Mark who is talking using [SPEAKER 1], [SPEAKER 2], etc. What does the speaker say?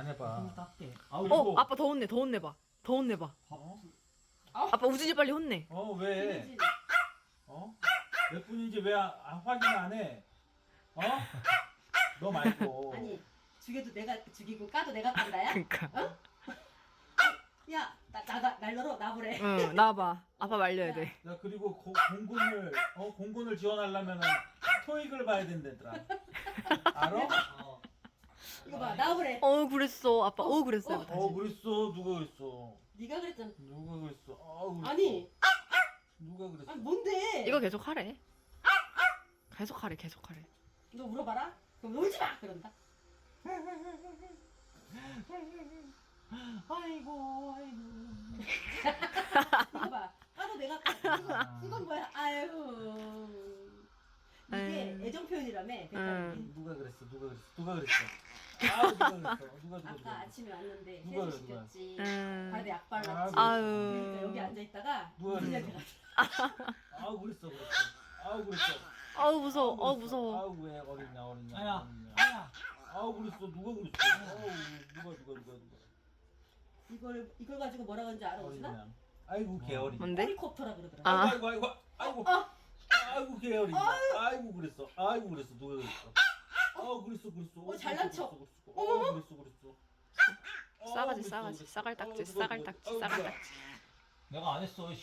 [SPEAKER 1] 안 해봐.
[SPEAKER 2] 너무 작게.
[SPEAKER 1] 그리고-
[SPEAKER 3] 아빠 더 혼내, 더 혼내봐. 더 혼내봐.
[SPEAKER 1] 어?
[SPEAKER 3] 아빠 우진이 빨리 혼내.
[SPEAKER 1] 왜? 몇 분인지 왜 확인 안 해? 너 말고.
[SPEAKER 2] 아니 죽여도 내가 죽이고 까도 내가 깐다야?
[SPEAKER 3] 그니까.
[SPEAKER 2] 야, 날 널어 나보래.
[SPEAKER 3] 응, 나와봐. 아빠 말려야 돼.
[SPEAKER 1] 야 그리고 공군을 지원하려면은 토익을 봐야 된다더라. 알아?
[SPEAKER 2] 이거 봐, 나보래.
[SPEAKER 3] 그랬어. 아빠, 그랬어요. 다시.
[SPEAKER 1] 그랬어. 누가 그랬어?
[SPEAKER 2] 네가 그랬잖아.
[SPEAKER 1] 누가 그랬어? 그랬어.
[SPEAKER 2] 아니,
[SPEAKER 1] 누가 그랬어?
[SPEAKER 2] 아니 뭔데?
[SPEAKER 3] 이거 계속 하래. 계속 하래.
[SPEAKER 2] 너 물어봐라. 그럼 울지 마 그런다.
[SPEAKER 1] 아이고.
[SPEAKER 2] 이거 봐. 까도 내가 까. 이건 뭐야? 아유. 이게
[SPEAKER 3] 아유.
[SPEAKER 2] 애정 표현이라며. 백화점이.
[SPEAKER 1] 누가 그랬어? 누가 그랬어? 누가 그랬어? 누가
[SPEAKER 2] 아까 아침에 왔는데
[SPEAKER 1] 누가
[SPEAKER 2] 세수
[SPEAKER 1] 그래, 누가?
[SPEAKER 2] 시켰지.
[SPEAKER 3] 음.
[SPEAKER 2] 발에 약 발랐지.
[SPEAKER 1] 아유.
[SPEAKER 2] 그러니까 여기 앉아 있다가
[SPEAKER 1] 누가
[SPEAKER 2] 무슨
[SPEAKER 1] 그랬어?
[SPEAKER 2] 냄새 갔어.
[SPEAKER 1] 그랬어.
[SPEAKER 3] 무서워. 무서워.
[SPEAKER 1] 왜 어리냐.
[SPEAKER 4] 아야.
[SPEAKER 1] 그랬어. 누가 그랬어? 누가.
[SPEAKER 2] 이걸 가지고 뭐라 그런지 알아 오시나?
[SPEAKER 1] 어리냐. 아이고 개어리.
[SPEAKER 3] 뭔데?
[SPEAKER 2] 헬리콥터라 그러더라.
[SPEAKER 3] 아.
[SPEAKER 1] 아이고 개어리. 아이고 그랬어. 누가 그랬어? 그랬어.
[SPEAKER 2] 잘난 척.
[SPEAKER 1] 그랬어.
[SPEAKER 3] 싸가지. 싸갈딱지.
[SPEAKER 1] 내가 안 했어.